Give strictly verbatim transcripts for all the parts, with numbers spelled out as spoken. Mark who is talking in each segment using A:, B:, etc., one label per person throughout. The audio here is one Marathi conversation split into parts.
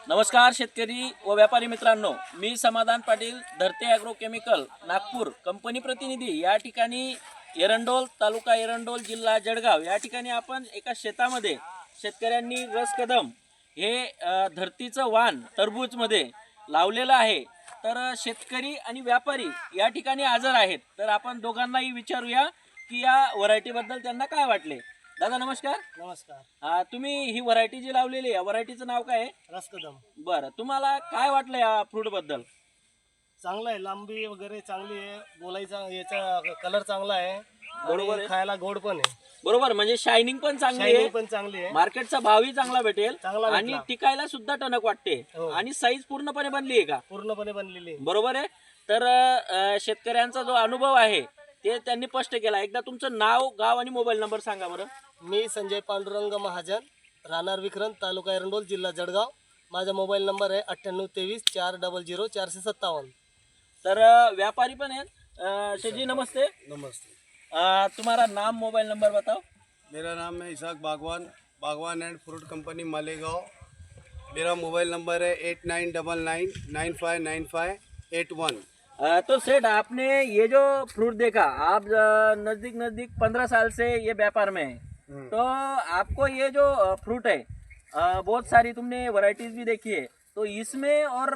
A: नमस्कार शेतकरी व व्यापारी मित्रांनो, मी समाधान पाटील, धरते ॲग्रो केमिकल नागपूर कंपनी प्रतिनिधी। या ठिकाणी एरंडोल तालुका एरंडोल जिल्हा जळगाव या ठिकाणी आपण एका शेतामध्ये शेतकऱ्यांनी रस कदम हे धरतीचं वाण टरबूजमध्ये लावलेलं आहे। तर शेतकरी आणि व्यापारी या ठिकाणी हजर आहेत। तर आपण दोघांनाही विचारूया की या व्हरायटीबद्दल त्यांना काय वाटले। दादा नमस्कार।
B: नमस्कार।
A: हा, तुम्ही ही व्हरायटी जी लावलेली आहे व्हरायटीचं नाव काय आहे?
B: रसकदम।
A: बरं, तुम्हाला काय वाटलं या फ्रूट बद्दल?
B: चांगला आहे, लांबी वगैरे चांगली आहे, बोलायचा याचा कलर चांगला आहे,
A: बरोबर
B: आणि
A: आहे,
B: खायला गोड पण आहे।
A: बरोबर, म्हणजे शायनिंग पण चांगली आहे,
B: शायनिंग पण चांगली आहे,
A: मार्केटचा भावही चांगला भेटेल
B: चांगला
A: आणि
B: भेटला।
A: टिकायला सुद्धा टणक वाटते
B: हो।
A: आणि साईज पूर्णपणे बनली आहे का?
B: पूर्णपणे बनलेली आहे।
A: बरोबर आहे। तर अ, शेतकऱ्यांचा जो अनुभव आहे ते त्यांनी स्पष्ट केला। एकदा तुमचं नाव, गाव आणि मोबाईल नंबर सांगा बरं।
B: मी संजय पांडुरंग महाजन, राहणार विक्रम, तालुका एरंडोल, जिल्हा जळगाव। माझा मोबाईल नंबर आहे अठ्ठ्याण्णव तेवीस चार डबल झिरो चारशे सत्तावन्न।
A: तर अ, व्यापारी पण आहेत। अ, शेठ जी नमस्ते।
C: नमस्ते।
A: अ, तुम्हारा नाम, मोबाइल नंबर बताओ।
C: मेरा नाम है Isaq Bagwan, Bagwan and fruit company Malegaon. मेरा मोबाइल नंबर है eight nine double nine nine five nine five eight one.
A: अ, तो सेठ, आपने ये जो फ्रूट देखा, आप अ, नज़दीक नज़दीक पंद्रह साल से ये व्यापार में है, तो आपको ये जो अ, फ्रूट है, अ, बहुत सारी तुमने वैरायटीज भी देखी है, तो इसमें और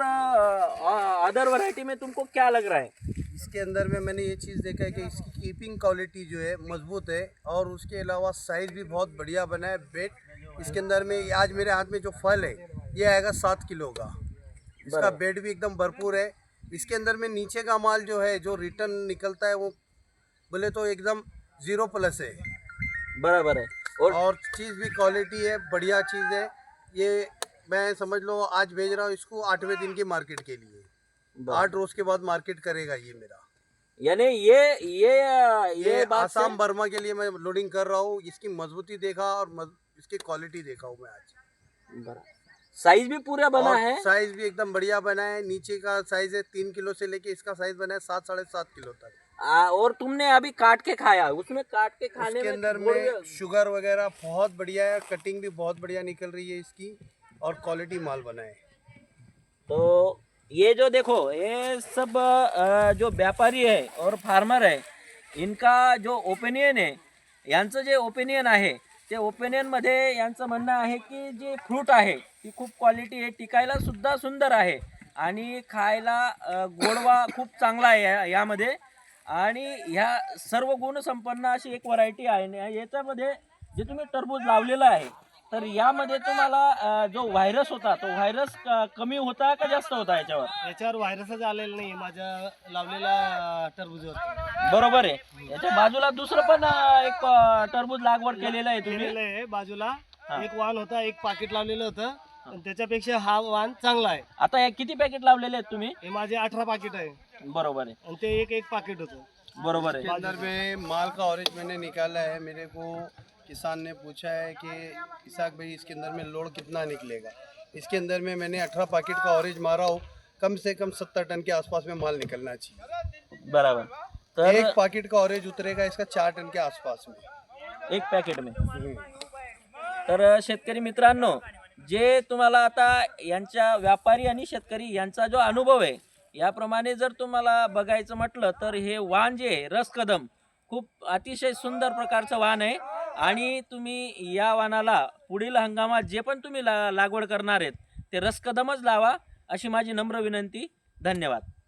A: अदर वैरायटी में तुमको क्या लग रहा है?
C: इसके अंदर में मैंने ये चीज़ देखा है कि इसकी कीपिंग क्वालिटी जो है मजबूत है, और उसके अलावा साइज़ भी बहुत बढ़िया बना है। बेड इसके अंदर में आज मेरे हाथ में जो फल है ये आएगा सात किलो का। इसका बेड भी एकदम भरपूर है। इसके अंदर में नीचे का माल जो है, जो रिटर्न निकलता है, वो बोले तो एकदम ज़ीरो प्लस है।
A: बराबर है। और,
C: और चीज़ भी क्वालिटी है, बढ़िया चीज़ है। ये मैं समझ लो आज भेज रहा हूँ इसको आठवें दिन की मार्केट के लिए, आठ रोज के बाद मार्केट करेगा ये मेरा।
A: यानी ये ये ये,
C: ये
A: बात से-
C: आसाम बर्मा के लिए मैं लोडिंग कर रहा हूँ। इसकी मजबूती देखा और मज, इसकी क्वालिटी देखा हूँ मैं आज।
A: बराबर। साइज भी पूरा बना
C: और
A: है।
C: साइज भी एकदम बढ़िया बना है। नीचे का साइज है तीन किलो से लेके इसका साइज बना है सात साढ़े सात किलो तक।
A: आ, और तुमने अभी काट के खाया, उसमें काट के खाने
C: उसके
A: में
C: अंदर
A: गुड़-
C: में शुगर वगैरह बहुत बढ़िया है, कटिंग भी बहुत बढ़िया निकल रही है इसकी, और क्वालिटी माल बना है।
A: तो ये जो देखो, ये सब अ, जो व्यापारी है और फार्मर है, इनका जो ओपिनियन आहे, यांचं जे ओपिनियन आहे ते ओपिनियनमध्ये यांचं म्हणणं आहे की जे फ्रूट आहे ती खूप क्वालिटी आहे, टिकायला सुद्धा सुंदर आहे आणि खायला अ, गोडवा खूप चांगला आहे या- यामध्ये, आणि ह्या सर्व गुणसंपन्न अशी एक व्हरायटी आहे। आणि याच्यामध्ये जे तुम्ही टरबूज लावलेलं आहे, तर यामध्ये तुम्हाला अ, जो व्हायरस होता तो व्हायरस कमी होता का जास्त होता याच्यावर?
B: याच्यावर व्हायरसच आलेला नाही माझ्या लावलेल्या टरबूजवर।
A: बरोबर आहे। याच्या बाजूला दुसरं पण अ, एक अ, टरबूज लागवड केलेलं आहे तुम्ही।
B: केलेलं आहे बाजूला।
A: हा.
B: एक वाण होता, एक पाकिट लावलेलं होतं, पण त्याच्यापेक्षा हा वाण चांगला आहे।
A: आता हे किती पॅकेट लावलेले आहेत तुम्ही?
B: हे माझे अठरा पाकिट आहे,
A: बरोबर आहे,
B: आणि ते एक एक पाकिट होतं।
A: बरोबर
C: इसके
A: आहे।
C: अंदर में माल का ऑरेंज मैंने निकाला है। मेरे को किसान ने पूछा है कि इसाक भाई इसके अंदर में लोड कितना निकलेगा। इसके अंदर में मैंने अठारह पैकेट का ऑरेंज मारा हो, कम से कम सत्तर टन के आसपास में माल निकलना चाहिए।
A: बराबर। तर
C: एक पैकेट का ऑरेंज उतरेगा इसका चार टन के आसपास में।
A: एक पॅकेट में। तर शेतकरी मित्रांनो, जे तुम्हाला आता यांच्या व्यापारी आणि शेतकरी यांचा जो अनुभव आहे याप्रमाणे जर तुम्हाला बघायचं म्हटलं तर हे वाण जे आहे रस कदम खूप अतिशय सुंदर प्रकारचं वाण आहे, आणि तुम्ही या वाणाला पुढील हंगामात जे पण तुम्ही ला लागवड करणार आहेत ते रस कदमच लावा, अशी माझी नम्र विनंती। धन्यवाद।